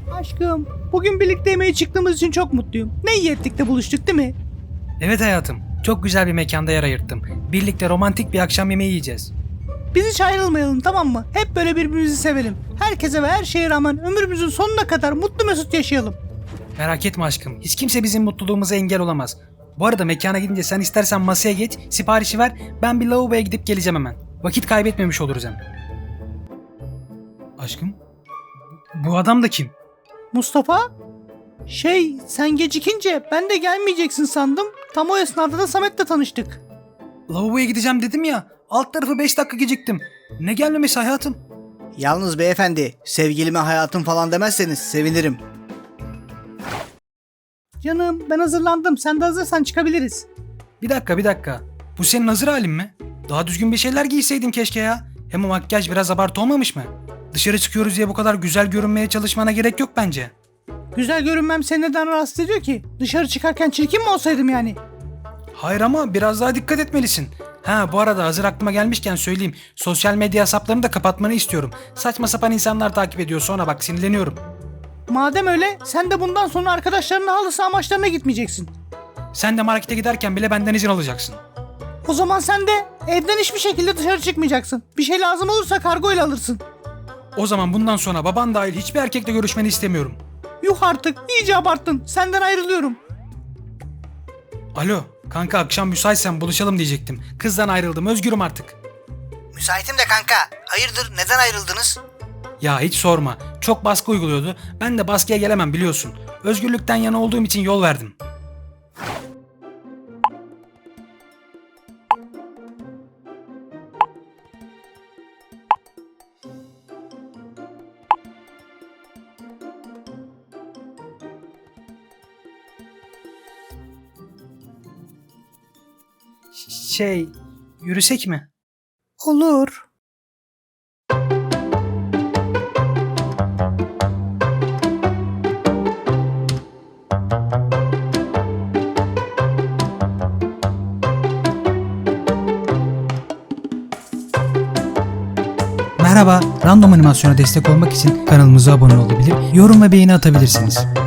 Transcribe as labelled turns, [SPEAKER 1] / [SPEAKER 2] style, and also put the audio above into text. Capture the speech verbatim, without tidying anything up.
[SPEAKER 1] Aşkım, bugün birlikte yemeğe çıktığımız için çok mutluyum. Ne iyi ettik de buluştuk değil mi?
[SPEAKER 2] Evet hayatım. Çok güzel bir mekanda yer ayırttım. Birlikte romantik bir akşam yemeği yiyeceğiz.
[SPEAKER 1] Biz hiç ayrılmayalım, tamam mı? Hep böyle birbirimizi sevelim. Herkese ve her şeye rağmen ömrümüzün sonuna kadar mutlu mesut yaşayalım.
[SPEAKER 2] Merak etme aşkım. Hiç kimse bizim mutluluğumuza engel olamaz. Bu arada mekana gidince sen istersen masaya geç, siparişi ver. Ben bir lavaboya gidip geleceğim hemen. Vakit kaybetmemiş oluruz hem. Aşkım? Bu adam da kim?
[SPEAKER 1] Mustafa? Şey, sen gecikince ben de gelmeyeceksin sandım. Tam o esnada da Samet'le tanıştık.
[SPEAKER 2] Lavaboya gideceğim dedim ya. Alt tarafı beş dakika geciktim. Ne gelmemesi hayatım?
[SPEAKER 3] Yalnız beyefendi, sevgilime hayatım falan demezseniz sevinirim.
[SPEAKER 1] Canım, ben hazırlandım. Sen de hazırsan çıkabiliriz.
[SPEAKER 2] Bir dakika bir dakika. Bu senin hazır halin mi? Daha düzgün bir şeyler giyseydin keşke ya. Hem o makyaj biraz abartı olmamış mı? Dışarı çıkıyoruz diye bu kadar güzel görünmeye çalışmana gerek yok bence.
[SPEAKER 1] Güzel görünmem seni neden rahatsız ediyor ki? Dışarı çıkarken çirkin mi olsaydım yani?
[SPEAKER 2] Hayır ama biraz daha dikkat etmelisin. Ha bu arada hazır aklıma gelmişken söyleyeyim. Sosyal medya hesaplarını da kapatmanı istiyorum. Saçma sapan insanlar takip ediyor sonra bak sinirleniyorum.
[SPEAKER 1] Madem öyle, sen de bundan sonra arkadaşlarının halı saha maçlarına gitmeyeceksin.
[SPEAKER 2] Sen de markete giderken bile benden izin alacaksın.
[SPEAKER 1] O zaman sen de evden hiçbir şekilde dışarı çıkmayacaksın. Bir şey lazım olursa kargo ile alırsın.
[SPEAKER 2] O zaman bundan sonra baban dahil hiçbir erkekle görüşmeni istemiyorum.
[SPEAKER 1] Yuh artık, iyice abarttın. Senden ayrılıyorum.
[SPEAKER 2] Alo kanka akşam müsaitsen buluşalım diyecektim. Kızdan ayrıldım özgürüm artık.
[SPEAKER 3] Müsaitim de kanka. Hayırdır, neden ayrıldınız?
[SPEAKER 2] Ya hiç sorma. Çok baskı uyguluyordu. Ben de baskıya gelemem biliyorsun. Özgürlükten yana olduğum için yol verdim. Şey, yürüsek mi?
[SPEAKER 1] Olur.
[SPEAKER 2] Merhaba, random animasyona destek olmak için kanalımıza abone olabilir, yorum ve beğeni atabilirsiniz.